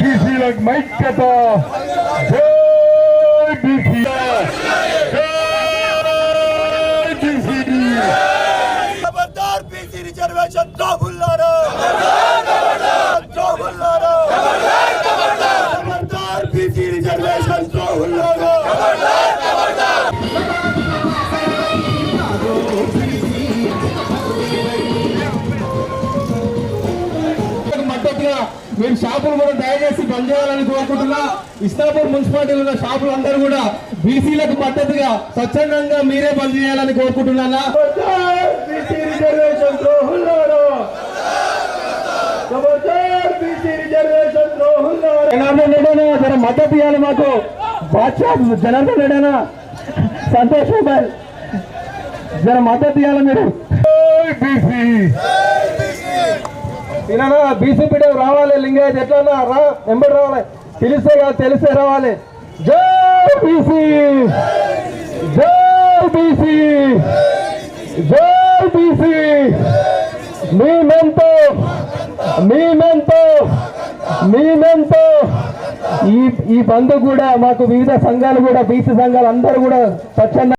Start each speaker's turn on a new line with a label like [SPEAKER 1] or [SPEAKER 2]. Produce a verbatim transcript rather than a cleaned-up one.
[SPEAKER 1] బీసీలకు మైక్యత, జై బీసీ, జై బీసీ.
[SPEAKER 2] ఖబర్దార్ బీసీ రిజర్వేషన్ ద్రోహులారా, ద్రోహులారా, ఖబర్దార్ బీసీ రిజర్వేషన్ ద్రోహులారా.
[SPEAKER 3] మద్దతుగా మేము షాపులు కూడా దయచేసి బంద్ చేయాలని కోరుకుంటున్నా. ఇస్లాపూర్ మున్సిపాలిటీలో ఉన్న షాపులు అందరూ కూడా బీసీలకు మద్దతుగా స్వచ్ఛందంగా మీరే బంద్ చేయాలని కోరుకుంటున్నా.
[SPEAKER 2] బీసీ రిజర్వేషన్ ద్రోహులారా, ఖబర్దార్ బీసీ రిజర్వేషన్ ద్రోహులారా.
[SPEAKER 3] జనార్దన్ రెడ్డి జర మద్దతు ఇవ్వాలి మాకు. బాద్షా జనార్దన్ రెడ్డి, సంతోష్ మొబైల్ జర మద్దతు ఇవ్వాలి మీరు.
[SPEAKER 1] బీసీ
[SPEAKER 3] తినా బీసీ పీడ రావాలి. లింగాయత్ ఎట్లా రా ఎంబడి రావాలి. తెలిస్తే కాదు తెలిస్తే రావాలి. జై బీసీ, జై బీసీ, జై బీసీ. మేమెంతో మేమెంతో మేమెంతో ఈ ఈ బంధు కూడా మాకు వివిధ సంఘాలు కూడా బీసీ సంఘాలు అందరూ కూడా స్వచ్ఛంద